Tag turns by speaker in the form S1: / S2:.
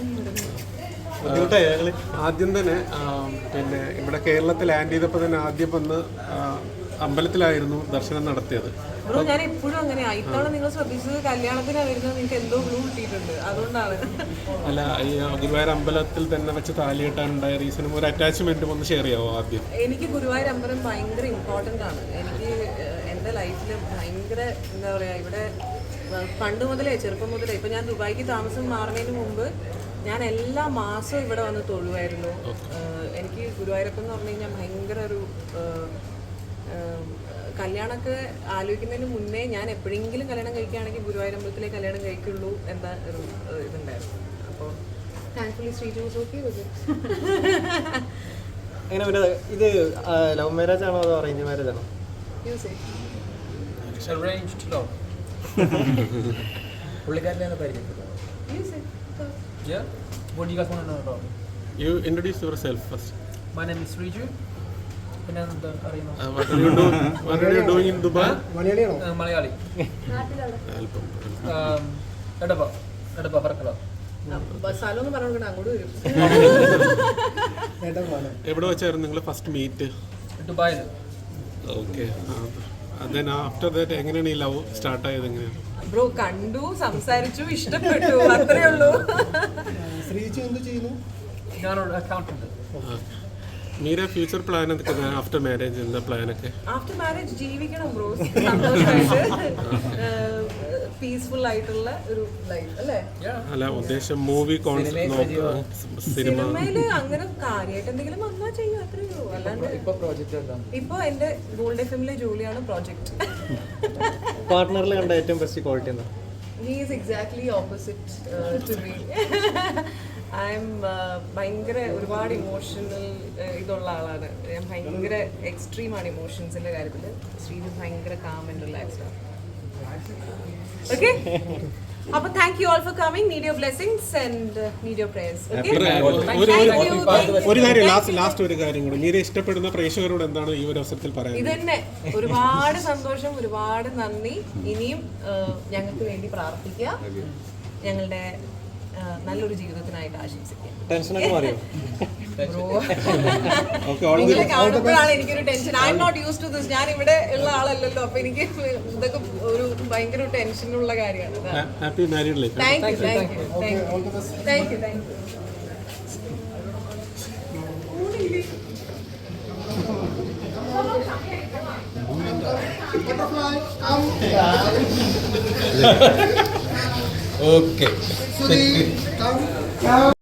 S1: ആദ്യം തന്നെ പിന്നെ ഇവിടെ കേരളത്തിൽ ലാൻഡ് ചെയ്തപ്പോൾ തന്നെ ആദ്യം വന്ന് അമ്പലത്തിലായിരുന്നു ദർശനം നടത്തിയത്.
S2: ഞാൻ എപ്പോഴും അങ്ങനെയാ. ഇത്തവണ നിങ്ങൾ ശ്രദ്ധിച്ചത് കല്യാണത്തിനാണ് വരുന്നത്, നിങ്ങൾക്ക് എന്തോ ഗ്ലൂ കിട്ടിയിട്ടുണ്ട്, അതുകൊണ്ടാണ്.
S1: അല്ല, ഈ ഗുരുവായൂർ അമ്പലത്തിൽ തന്നെ വെച്ച് താലി കെട്ടാനുണ്ടായ റീസണും ഒരു അറ്റാച്ച്മെന്റും ഒന്ന് ഷെയർ ചെയ്യാമോ ആദ്യം?
S2: എനിക്ക് ഗുരുവായൂർ അമ്പലം ഭയങ്കര ഇമ്പോർട്ടൻ്റ് ആണ്. എനിക്ക് എൻ്റെ ലൈഫിൽ ഭയങ്കര എന്താ പറയുക, ഇവിടെ പണ്ട് മുതലേ ചെറുപ്പം മുതലേ ഇപ്പം ഞാൻ ദുബായിക്ക് താമസം മാറുന്നതിന് മുമ്പ് ഞാൻ എല്ലാ മാസവും ഇവിടെ വന്ന് തൊഴുവായിരുന്നു. എനിക്ക് ഗുരുവായൂരപ്പം എന്ന് പറഞ്ഞു കഴിഞ്ഞാൽ ഭയങ്കര ഒരു കല്യാണമൊക്കെ ആലോചിക്കുന്നതിന് മുന്നേ ഞാൻ എപ്പോഴെങ്കിലും കല്യാണം കഴിക്കുകയാണെങ്കിൽ ഗുരുവായൂരമ്പലത്തിലെ കല്യാണം കഴിക്കുള്ളൂ എന്ന ഒരു ഇതുണ്ടായിരുന്നു. അപ്പോൾ thankfully Sreeju was okay with it.
S3: എങ്ങനെ പിന്നെ ഇത് ലവ് മാരേജ് ആണോ അതോ അറേഞ്ച് മാരേജ് ആണോ?
S4: Arranged love. പുള്ളിക്കാരനെ പരിചയപ്പെട്ടു. Yeah. What do you guys want to know about me?
S1: You introduce yourself first.
S4: My name is Riju. പിന്നെ എന്താ അറിയുമോ?
S1: What are you doing in Dubai?
S4: Malayali. എടപ്പ പറക്കല.
S2: സ്ഥലമൊന്നും പറഞ്ഞു അങ്ങോട്ട് വരും.
S1: എവിടെ വെച്ചായിരുന്നു നിങ്ങൾ ഫസ്റ്റ് മീറ്റ്?
S4: ദുബായിൽ.
S1: ഓക്കെ. then after that എങ്ങനെയാണ് ഈ ലവ് സ്റ്റാർട്ട് ആയത്? എങ്ങനെയാണ്?
S2: ബ്രോ കണ്ടു, സംസാരിച്ചു, ഇഷ്ടപ്പെട്ടു, അത്രേ ഉള്ളൂ.
S3: ശ്രീജു എന്ത് ചെയ്യുന്നു?
S4: ഞാനൊരു അക്കൗണ്ടന്റ്.
S1: മീര ഫ്യൂച്ചർ പ്ലാൻ എന്തൊക്കെ ആഫ്റ്റർ മാരേജ്? എന്താ പ്ലാനൊക്കെ?
S2: ആഫ്റ്റർ മാരേജ് ജീവിക്കണം ബ്രോ, സന്തോഷമായിട്ട് പീസ്ഫുൾ ആയിട്ടുള്ള ഒരു ലൈഫ് അല്ലേ?
S1: അല്ല, ഉദ്ദേശം മൂവി
S2: സിനിമയില് അങ്ങനെ കാര്യമായിട്ട് എന്തെങ്കിലും വന്നാ ചെയ്യും, അത്രേ ഉള്ളൂ. അല്ലാണ്ട് ഇപ്പൊ എന്റെ ഗോൾഡ് എഫ്എമ്മിലെ ജോലിയാണ് പ്രോജക്ട്.
S3: പാർട്ട്ണറിൽ കണ്ട ഏറ്റവും ബെസ്റ്റ് ക്വാളിറ്റി എന്താ?
S2: He is exactly opposite to me. I'm ഭയങ്കര ഒരുപാട് ഇമോഷണൽ ഇതുള്ള ആളാണ് ഞാൻ. ഭയങ്കര എക്സ്ട്രീമാണ് ഇമോഷൻസിന്റെ കാര്യത്തിൽ. ശ്രീജു ഭയങ്കര കാം ആൻഡ് റിലാക്സ്ഡ് ആണ്. ഓക്കെ, അപ്പൊ thank you all for coming. Need your blessings and need your prayers.
S1: ഒരു കാര്യം, ലാസ്റ്റ് ഒരു കാര്യം കൂടി, മീര ഇഷ്ടപ്പെടുന്ന പ്രേക്ഷകരോട് എന്താണ് ഈ ഒരു അവസരത്തിൽ പറയാൻ?
S2: ഇതന്നെ, ഒരുപാട് സന്തോഷം, ഒരുപാട് നന്ദി. ഇനിയും ഞങ്ങൾക്ക് വേണ്ടി പ്രാർത്ഥിക്കുക, ഞങ്ങളുടെ നല്ലൊരു ജീവിതത്തിനായിട്ട് ആശംസിക്കുക.
S3: ടെൻഷനൊക്കെ മാറിയോ?
S2: നിങ്ങളെ കാണുമ്പോഴാണ് എനിക്കൊരു tension. I am not used to this. ഞാൻ ഇവിടെ ഉള്ള ആളല്ലല്ലോ, അപ്പൊ എനിക്ക് ഇതൊക്കെ ഒരു ഭയങ്കര ടെൻഷനുള്ള കാര്യമാണ്.
S1: Happy married life.
S2: Thank you, thank you, thank you, thank you.
S4: Okay.